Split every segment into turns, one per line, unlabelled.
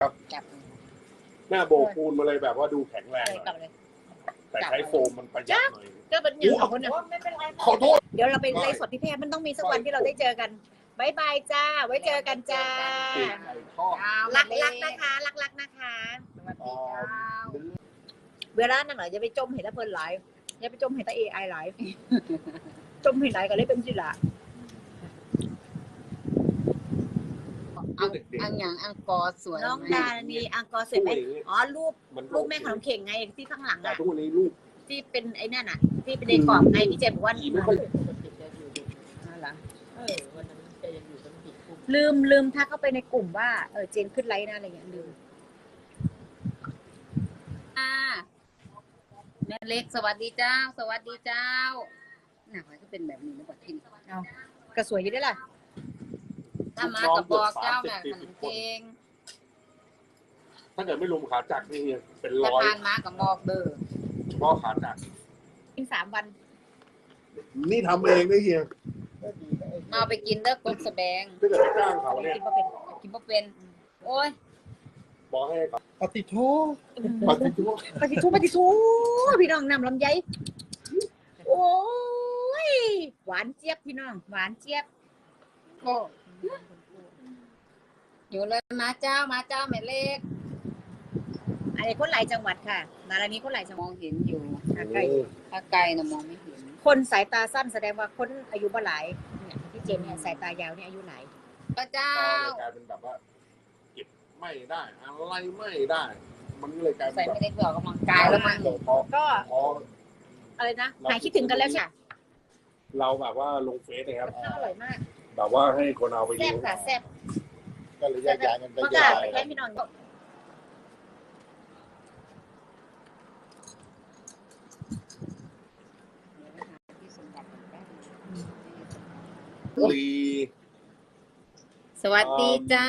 จับ
หน้าโบกปูนมาเลยแบบว่าดูแข็งแรง
กลับเลย
แต่ใช้โฟมมันประหยัดหน่อย
ก็เป็นอย่างของคนไม่เป็นไร
ขอโทษ
เดี๋ยวเราไปไลฟ์สดพี่แพรมันต้องมีสักวันที่เราได้เจอกันบายบายจ้าไว้เจอกันจ้ารักนะคะรักนะคะเวลานั่นเหรออย่าไปจมเห็นแล้วเพลินหลายอย่าไปจมเห็นแต่ AI หลายจมเห็นหลายก็เลยเป็นสิละ
อังอย่างอังกอร์สวย
น้องดานีอังกอร์สวยไหมอ๋อรูปแม่ขนมเข่งไงที่ข้างหลัง
แต่
อ่ะ
ทุกวันนี้ลูก
ที่เป็นไอ้นั่นอ่ะที่เป็นในกรอบไงพี่เจมบอกว่าลืมทักเข้าไปในกลุ่มว่าเจนขึ้นไลน์นะอะไรอย่างเงี้ยลืม
แม่เล็กสวัสดีเจ้าสวัสดีเจ้าหนักก็เป็นแบบนี้นะบอกที่
เอากระสวยอยู่ได้ล่ะ
ถ้ามากับบอกเจ้าแม่ขนมเค้ง
ถ้าเกิดไม่รวมขาจักรนี่เป็น
ถ้า
ร้อย
ทานมากับบอกเด้อ
เฉพาะขาจักร
กิน3 วัน
นี่ทำเองนะเฮีย
เอาไปกินเด้อกบแสดง
ถ้าเกิดไปจ้างเขาเนี่ย
กินก็เป็น
กินบ่เป็นโอ้ย
บอกให้ก่อน
ปฏิโท
ปฏิทุก
ปฏิทูพี่น้องนำลำไยโอ้ยหวานเจี๊ยบพี่น้องหวานเจี๊ยบ
โอ้อยู่เลยมาเจ้าแม่เล็ก
อันนี้คนหลายจังหวัดค่ะมาลานี้คนหลายจังห
ม
วัด
องเห็นอยู่
ใกล้
ถ้าไกลนะมองไม่เห็น
คนสายตาสั้นแสดงว่าคนอายุบ่หลายเนี่ยพี่เจนเนี่ยสายตายาวเนี่ยอายุหลาย
พระเจ้า
กลายเป็นแบบว่าเก็บไม่ได้อะไรไม่ได้ มันเลยกลายเป็
ใส่
นแบ
ไม่
บ
ได้เผื่อกำลังกายแล้วมั้ง
ก็
พอ
อะไรนะหายคิดถึงกันแล้วใช่
เราแบบว่าลงเฟซนะครับ
ข้าวอร่อยมาก
แบบว่าให้คนเอาไป
แซ่
ดู
บค่ะแซ่บ
ก็เลยแยกย้ายกันไป
เมื่อ
แย
ก่
ก
อน
ย้าย
แค่พี่นอน
ลี
สวัสดีจ้า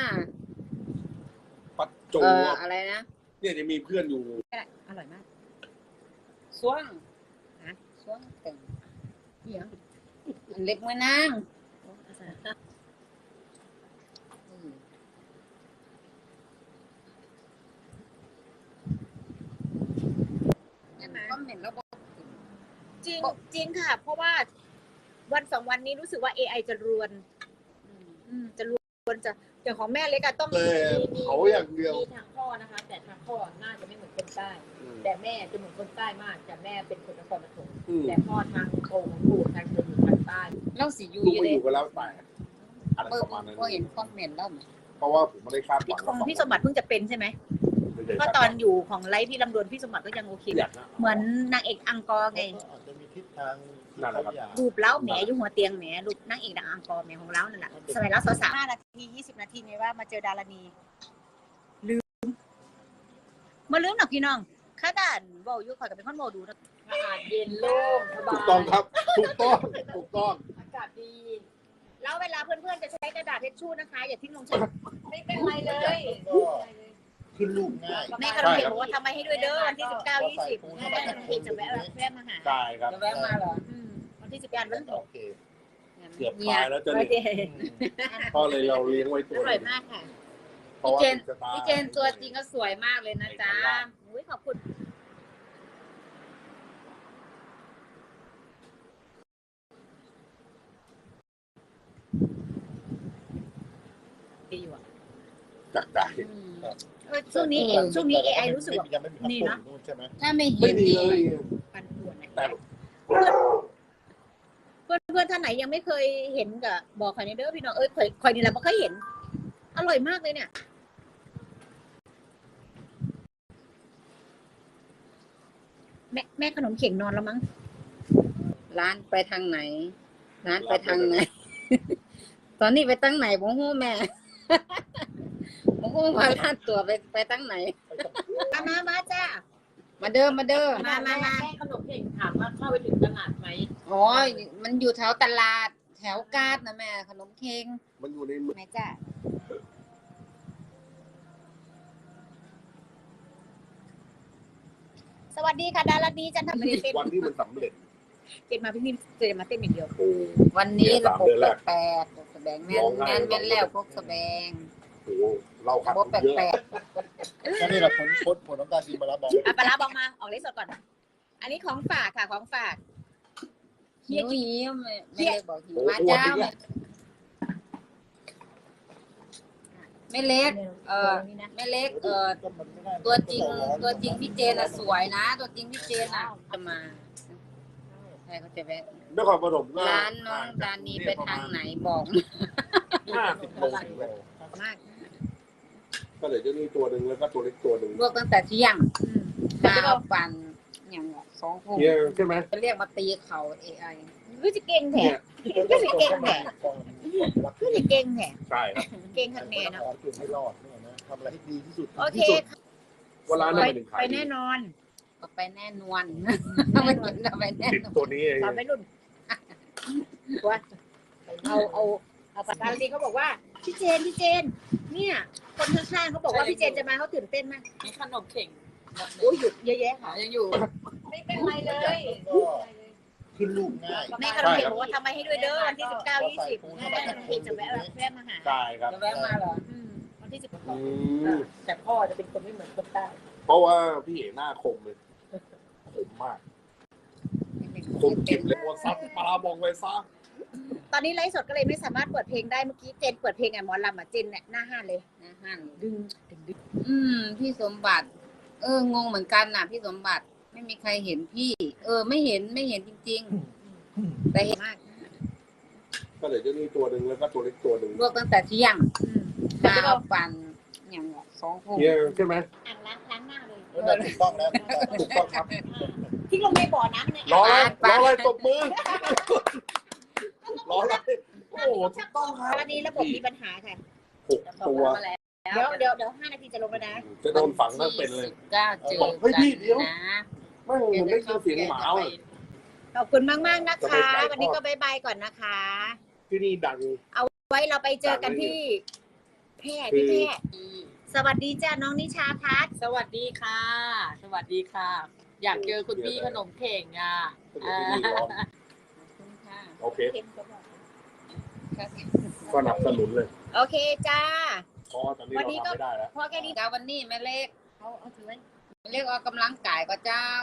ปัจจุ
อะไรนะ
เนี่ยจะมีเพื่อนอยู่
อร่อยมาก
ช่วงช่วงเต็ม
เดี๋ยว
อันเล็กมือนาง คอมเมนต์แล้วบอก
จริงค่ะ เพราะว่าวัน2 วันนี้รู้สึกว่า AI จะรวนจะรวนจะอย่างของแม่เล็กอะต้อง
เลยเขาอย่างเดียว
มีทางพ่อนะคะ แต่ทางพ่อน่าจะไม่เหมือนคนใต้ แต่แม่จะเหมือนคนใต้มากแต่แม่เป็นคนนครปฐมแต่พ่อทางโคของปู่ทางจะอยู่ทางใต้
เล่าสียู
ลูก
อยู่
ไป
เล
อย ยู่กันแล้วแต่อะไร
เปิ
ป
ด
ระมาณนั้น
ก็เห็นคอมเมนต์แล้ว
เพราะว่าผมไม่ได้คาดหวัง
ของพี่สมบัติเพิ่งจะเป็นใช่ไหมก็ตอนอยู่ของไลฟ์พี่ลำดวนพี่สมบัติก็ยังโอเค
อยากนะ
เหมือนนางเอกอังกอร์ไง
อาจจะมีทิศทาง
นั่นแหละครับ
รูปเล้าแหมอยู่หัวเตียงแหมรูปนางเอกดังอังกอร์แหมของเล้านั่นแหละสมัยเล้าสาวๆ5 นาที20 นาทีไงว่ามาเจอดารานีลืมมาลืมหนักพี่น้องข้าด่านเบาอยู่ข่อยกับเป็นคนโมดูนะ
อากาศเย็นโล่งสบาย
ถูกต้องครับ ถูกต้องถูกต้อง
อากาศดี
แล้วเวลาเพื่อนๆจะใช้กระดาษทิชชู่นะคะอย่าทิ้งลงชั้น
ไม่เป็นไรเลย
ขึ้นลูกง่าย
แม่ขนมเค้กบอกว่าทำไมให้ด้วยเด้อวันที่19 20แม่ขนมเค้กจะแวะมาหา
ได้ครับ
จะแวะมาเหรอ
วันที่18วัน
โอเค
เกือบตายแล้วจะ
โอ
นี่
เค
ก็เลยเราเลี้ยงไว้ตัว
อร่อยมากค่ะ
เพราะว่าจะตาย
พี่เจนตัวจริงก็สวยมากเลยนะจ๊ะ
อุ้ยขอบคุณดีอยู่อ่ะ
จักได้
ช่วงนี้ AI รู้สึกว่า
ยังไม่มี
นี่
นี่
นะ
นะใช่ไหม
ถ้าไม่
ไม่
เห็น
มี
นี่
เลย
ปันป่วน
แต่
เพื่อนท่านไหนยังไม่เคยเห็นกับบอกใครในเด้อพี่น้องคอยนี่แหละไม่เคยเห็น อร่อยมากเลยเนี่ยแม่ขนมเข่งนอนแล้วมั้ง
ร้านไปทางไหน ร้านไปทางไหน ตอนนี้ไปตั้งไหนผมหู้แม่ ผมหู้ว่าร้านตัวไปตั้งไหน
มาจ้า
มาเด้อ
มา
แม่ขนมเค้กถามว่าเข้าไปถึงตลาดไหม
อ๋อมันอยู่แถวตลาด แถวกาดนะแม่ขนมเค้ง
มันอยู่ในมือ
แม่จ้าสวัสดีค่ะดาราดีจันทร์ไม่ได้เต้น
วันที่มันสำเร็จ
เต้นมาพี่นิ่มเจอมาเต้นอย่างเดียว
โอ้
วันนี้ระบบ
เดือนแรก
แปลกแสดงแม่นแล้วพวกแสดง
โอ้โหเราขัด
บ่แป
เยอะ
ลก
ก็นี่แหละผลของการกินปลาร้าบอง
อ่ะปลาร้าบองมาออกเลสสดก่อน อันนี้ของฝากค่ะของฝาก
ๆหิวไม่เล็กบอกหิว
โอ้โห
มา
อ้วน
เจ้า
อีกแล้ว
ไม่เล็กไม่เล็กตัวจริงพี่เจนอะสวยนะ ตัวจริงพี่เจนอะจะมาใครเขาจะแวะ
นครปฐมก็
ร้านน้องดานีไปทางไหนบอก
50 โลถึงแล้ว
มาก
ก็เหลือเจ้านี่ตัวหนึ่งแล้วก็ตัวเล็กตัวหนึ่ง
ลวกตั้งแต่เที่ยงข้าวปั่นอย่าง2 ทุ่ม
เนี่ยใช่ไหม
จะเรียกมาตีเขา AI
รู้จะเก่งแท้
เนี่ย
รู้จะเก่งแท้รู้จะเก่งแท้
ใช่ครับ
เก่งขัดแน่เนาะ
ขอจุดให้รอดเนี่ยนะทำอะไรให้ดีที่สุด
โอเค
ว่าร้านนั้นเป็น
ไปแน่นอน
ก็ไปแน่นอนไม่เห็นเราไปแน่
ติด
นอน
ตัวนี้เอง
ตอนไปรุ่นว่าเอาปากกาลีเขาบอกว่าพี่เจนเนี่ยคนข้างๆเขาบอกว่าพี่เจนจะมาเขาตื่นเต้นมาก
มีขนมเข่ง
โอ้ยหยุดเยอะแยะค่ะ
ยังอยู่ ไม่เป็นไรเลย
ก็ขึ้นลูกง่าย
แม่ขนมเค้กบอกว่าทำไมให้ด้วยเด้อวันที่19-20แม่ขนมเค้กจะแวะมาหา
ใช่ครับ
จะแวะมาเหรอ
วันที่
อืม
แต่พ่อจะเป็นคนไม่เหมือนคนใต้
เพราะว่าพี่เอ๋หน้าคมเลยคมมากคมกริบเลยว่าซัดปลาบองไปซะ
ตอนนี้ไลฟ์สดก็เลยไม่สามารถเปิดเพลงได้เมื่อกี้เจนเปิดเพลงไงหมอลำอ่ะเจนเนี่ยหน้าห้านเลย
นะฮั่น
ดึง
พี่สมบัติ งงเหมือนกันน่ะ พี่สมบัติไม่มีใครเห็นพี่ ไม่เห็นจริงๆ แต่เห็นมาก
ก็เหลือเจ้านี่ตัวหนึ่งแล้วก็ตัวเล็กตัวหนึ่ง
ลวกตั้งแต่เที่ยงข้าวปั่นอย่าง2 ทุ่ม
เนี่ยใช่ไหม
อ่างล้างหน้าเลย
นั่นถูกต้องแล้ว
ถูกต้องครับ
ทิ้งลงในบ่อน้ำเนี่ย
รออะไรตบมือรออะไรโอ้โหถูกต้องครับ
วันนี้ระบบมีปัญหาค่ะ
6 ตัว
มาแล้ว
เดี๋ยว5 นาทีจะลงแล้วนะ
จะโดนฝังทั้งเป็นเลย
19เจอ
เฮ้ยพี่เดี๋ยว
นะ
ไม่ผมได้ยินเสียงหมาเลย
ขอบคุณมากๆนะคะ วันนี้ก็บายบายก่อนนะคะ
ที่นี่ดัง
ไว้เราไปเจอกันที่แพร่สวัสดีจ้าน้องนิชาพัฒน์
สวัสดีค่ะ สวัสดีค่ะ อยากเจอคุณพี่ขนมเข่งอ่ะ
ที่นี่ร้อน
ขอบคุณค่ะ
โอเคก็หนับสนุนเลย
โอเคจ้า
เพราะตอนนี้เราทำไม่ได้แล้ว
พอแค่นี้
เจ้าวันนี้แม่เล็ก
เอาถือไว้
แม่เล็กออกกำลังกายก็เจ้า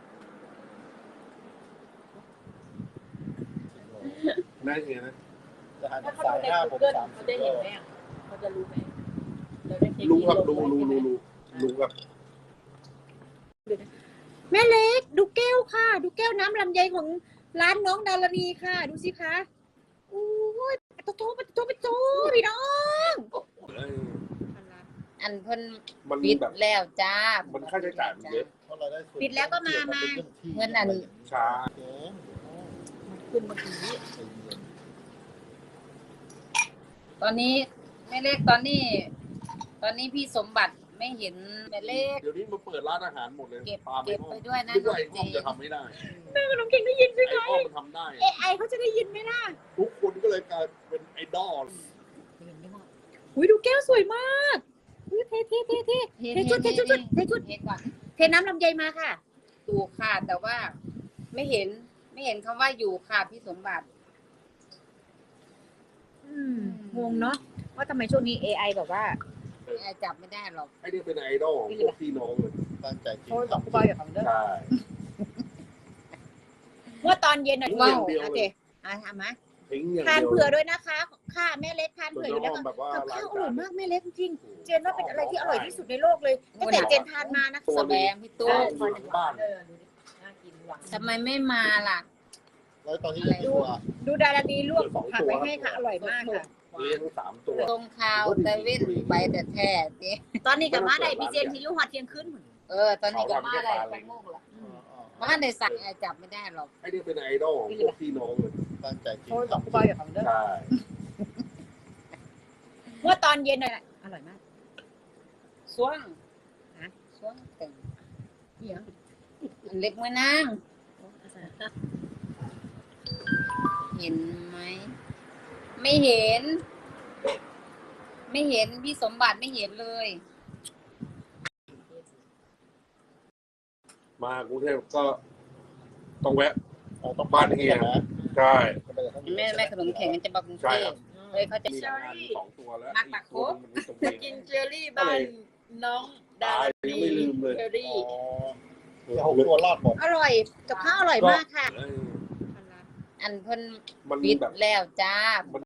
ได้ไงนะ
จะหัน
ถ้าเขา
สาย
ดูใน
หน้าผม
Google
สาม
เขา
สิบ
จะ
โล
เห็นไหมอ่ะเขาจะรู้ไหมเราได้เช็ค
รู้ครับ
ที่
รู้
ลงไว้ใช่ไหม
รู้ครับ
แม่เล็กดูแก้วค่ะ ดูแก้วน้ำลำไยของร้านน้องดารณีค่ะ ดูสิคะโอ้ยโตพี่น้อง
อันเพิ่น
มัน
ปิด
แบบ
แล้วจ้า
มันค่าใช้จ่ายมันเยอะ
เพราะเราได้ส่น
ปิดแล้วก็มา
เงินอัน
ช้า
ขึ้นเมื่อกี้
ตอนนี้แม่เล็กตอนนี้พี่สมบัติไม่เห็นแม่เล็ก
เดี๋ยวนี้มาเปิดร้านอาหารหมดเลย
เก็บ
ปลา
เก็บ
ห้อง
ไปด้วยนะ
นึก
น้อ
ว่าง ไอ้
เจ
ห้องจะทำไม่ได้
ขนมเก่งได้ยินใช่ไหม
ไอ้ห้องมันทำได้
AI เขาจะได้ยินไหมล่ะ
ทุกคนก็เลยกลายเป็นไอดอล
อุ้ยดูแก้วสวยมากอุ้ยเทชุดเทชุด
เทก่อน
เทน้ำลำไยมาค่ะ
ถูกค่ะแต่ว่าไม่เห็นคำว่าอยู่ค่ะพี่สมบัติ
งงเนาะว่าทำไมช่วงนี้ AI แบบว่า
จับไม่ได้หรอก
ไอ้นี่เป็นไอดอลของพวกพี่น้องเลย
ตั้งใจกิน
โทรบอกกูบอยอย่าฟังเด้อ
ใช่
เมื่อตอนเย็นอ่ะ
ว้าว
โอเคทำไหม
ทิ้งอย่าง
ทาน
เดียว
เผื่อด้วยนะคะค่ะแม่เล็กทาน
ส่วน
เผื่ออยู่
น้
แล้ว
องแบบว่า
กับ
ล้า
ข้าง วอ
จา
ร่อย
น
มากแม่เล็กจริงๆเจนว่าเป็นอะไรที่อร่อยที่สุดในโลกเลยตั้งแต่เจนทานมานะ
แสดงพี่ตู้
อยู่หลังบ้าน
ดูดิน่ากินหวาน
ทำไมไม่มาล่ะ
แล้วตอนนี้ยังมีตัว
ดูดาราดีลวกผักไว้ให้ค่ะอร่อยมากค่ะ
เลี้ยง3 ตัว
ตรงข่าวแต่เว้นไปแต่แท้ดิ
ตอนนี้กับมาได้พี่เจนที่ลูกหอดเที่ยงคืน
ตอนนี้ก็มาได้ไปโมกละมาได้สั่งจับไม่ได้หรอก
ไอ้นี่เป็นไอดอลของพวกพี่น้องเลย
ตั้งใจกิน
โทรบอกกูบอยอย่าฟังเด้อ
ใช่
เมื่อตอนเย็นอ่ะอร่อยมาก
ช่วงเต็ม
เดี๋ยว
อันเล็กมือนาง เห็นไหมไม่เห็น พี่สมบัติไม่เห็นเลย
มากรุงเทพก็ต้องแวะ
ต้อง
บ้านเฮีย
นะ
ใช่
แม่ขนมแข็งมันจะมากรุง
ใช่
เท
ครั
พ
บ
เอ้ยเขาจะ
มีงานอยู่2 ตัวแล้ว
มักปากโค
ตัวหนึ่งมันอยู่ตรงนี้
กินเจอรี่บ้านน้องดา
ไม่ลืมเลย
เจอ
อ๋
รี่
อจะ6 ตัวรอดหมด
อร่อยกับข้าวอร่อยมากค่ะ
เออ
อันเพิ่น
มัน
ปิด
แบบ
แล้วจ้า